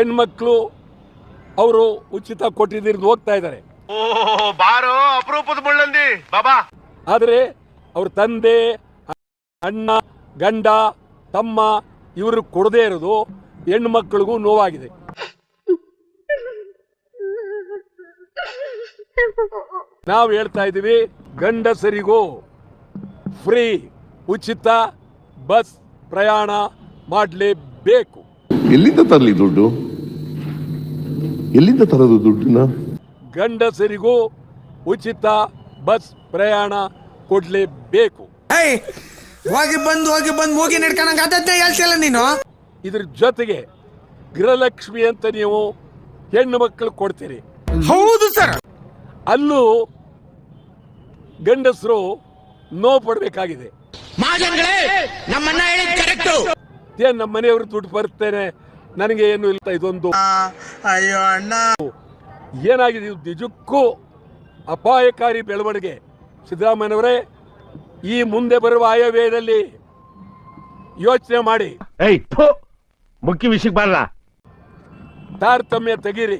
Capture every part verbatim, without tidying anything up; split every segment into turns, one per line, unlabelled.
ಹೆಣ್ಮಕ್ಳು ಅವರು ಉಚಿತ ಕೊಟ್ಟಿದ್ದು ಹೋಗ್ತಾ ಇದ್ದಾರೆ.
ಬಾರೋ ಅಪರೂಪದ ಮುಳ್ಳಂದಿ ಬಾಬಾ.
ಆದರೆ ಅವ್ರ ತಂದೆ, ಅಣ್ಣ, ಗಂಡ, ತಮ್ಮ ಇವರು ಕೊಡದೇ ಇರೋದು ಹೆಣ್ಣು ಮಕ್ಕಳಿಗೂ ನೋವಾಗಿದೆ. ನಾವು ಹೇಳ್ತಾ ಇದ್ದೀವಿ, ಗಂಡಸರಿಗೂ ಫ್ರೀ ಉಚಿತ ಬಸ್ ಪ್ರಯಾಣ ಮಾಡಲೇಬೇಕು.
ಎಲ್ಲಿಂದ ತರಲಿ ದುಡ್ಡು? ಎಲ್ಲಿಂದ ತರೋದು ದುಡ್ಡನ್ನ?
ಗಂಡಸರಿಗೂ ಉಚಿತ ಬಸ್ ಪ್ರಯಾಣ ಕೊಡ್ಲೇಬೇಕು.
ಹೋಗಿ ಬಂದು ಹೋಗಿ ಬಂದು ಹೋಗಿ ನಡ್ಕೊಂಡಂಗೆ ಅದನ್ನೇ ಹೇಳ್ತಿಲ್ಲ ನೀನು.
ಇದ್ರ ಜೊತೆಗೆ ಗೃಹಲಕ್ಷ್ಮಿ ಅಂತ ನೀವು ಹೆಣ್ಣು ಮಕ್ಕಳು ಕೊಡ್ತೀರಿ.
ಹೌದು ಸರ್.
ಅಲ್ಲೂ ಗಂಡಸರು ನೋವು ಪಡಬೇಕಾಗಿದೆ. ಏನ್ ನಮ್ಮ ಮನೆಯವರು ದುಡ್ಡು ಬರ್ತೇನೆ, ನನಗೆ ಏನು ಇಲ್ಲ, ಇದೊಂದು
ಅಯ್ಯೋ ಅಣ್ಣ
ಏನಾಗಿದೆ? ಇದು ನಿಜಕ್ಕೂ ಅಪಾಯಕಾರಿ ಬೆಳವಣಿಗೆ. ಸಿದ್ದರಾಮಯ್ಯನವರೇ, ಈ ಮುಂದೆ ಬರುವ ಆಯವ್ಯಯದಲ್ಲಿ ಯೋಚನೆ ಮಾಡಿ.
ಮುಖ್ಯ ವಿಷಯಕ್ಕೆ ಬರಲ್ಲ,
ತಾರತಮ್ಯ ತೆಗೀರಿ.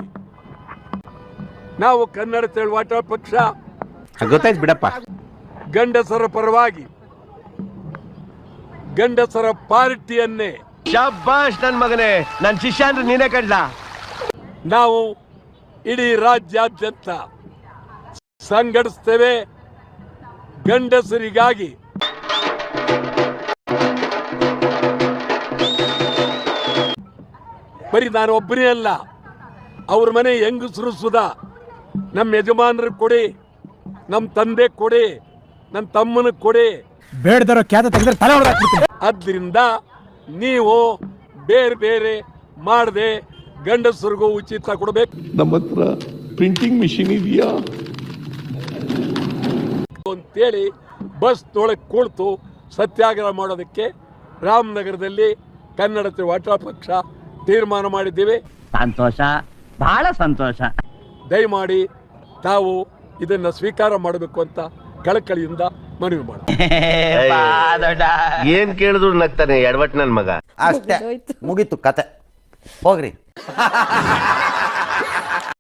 ನಾವು ಕನ್ನಡ ಚಳವಳಿ ಪಕ್ಷ
ಗೊತ್ತಾಯ್ತು ಬಿಡಪ್ಪ.
ಗಂಡಸರ ಪರವಾಗಿ ಗಂಡಸರ ಪಾರ್ಟಿಯನ್ನೇ
ಶಬ್ಬಾಷ್ ನನ್ ಮಗನೇ, ನನ್ ಶಿಷ್ಯ ಅಂದ್ರೆ ನೀನೇ ಕಡ್ಲ.
ನಾವು ಇಡೀ ರಾಜ್ಯಾದ್ಯಂತ ಸಂಘಟಿಸ್ತೇವೆ ಗಂಡಸರಿಗಾಗಿ. ಬರೀ ನಾನು ಒಬ್ಬನೇ ಅಲ್ಲ, ಅವ್ರ ಮನೆ ಹೆಂಗಸರು ಸುಧಾ, ನಮ್ಮ ಯಜಮಾನರು ಕೊಡಿ, ನಮ್ಮ ತಂದೆ ಕೊಡಿ, ನನ್ನ ತಮ್ಮನ ಕೊಡಿ,
ಬೇಡದರೋ ಖ್ಯಾತ ತೆಗೆದ್ರೆ ತಲೆ ಹೊಡೆದಾಕ್ಬಿಡ್ತೀನಿ.
ಆದ್ರಿಂದ ನೀವು ಬೇರೆ ಬೇರೆ ಮಾಡದೆ ಗಂಡಸರಿಗೂ ಉಚಿತ ಕೊಡಬೇಕು.
ನಮ್ಮ ಹತ್ರ ಪ್ರಿಂಟಿಂಗ್ ಮಿಷಿನ್ ಇದೆಯಾ
ಅಂತೇಳಿ ಬಸ್ ತೊಳಕ್ ಕುಳಿತು ಸತ್ಯಾಗ್ರಹ ಮಾಡೋದಕ್ಕೆ ರಾಮನಗರದಲ್ಲಿ ಕನ್ನಡ ಚಳವಳಿ ಪಕ್ಷ ತೀರ್ಮಾನ ಮಾಡಿದ್ದೀವಿ.
ಸಂತೋಷ, ಬಹಳ ಸಂತೋಷ.
ದಯಮಾಡಿ ತಾವು ಇದನ್ನ ಸ್ವೀಕಾರ ಮಾಡಬೇಕು ಅಂತ ಕಳಕಳಿಯಿಂದ ಮನವಿ ಮಾಡಿ.
ಏನ್ ಕೇಳಿದ್ರು ನಗ್ತಾನೆ ಎಡವಟ್ ನನ್ ಮಗ.
ಅಷ್ಟೇ, ಮುಗೀತು ಕತೆ, ಹೋಗ್ರಿ.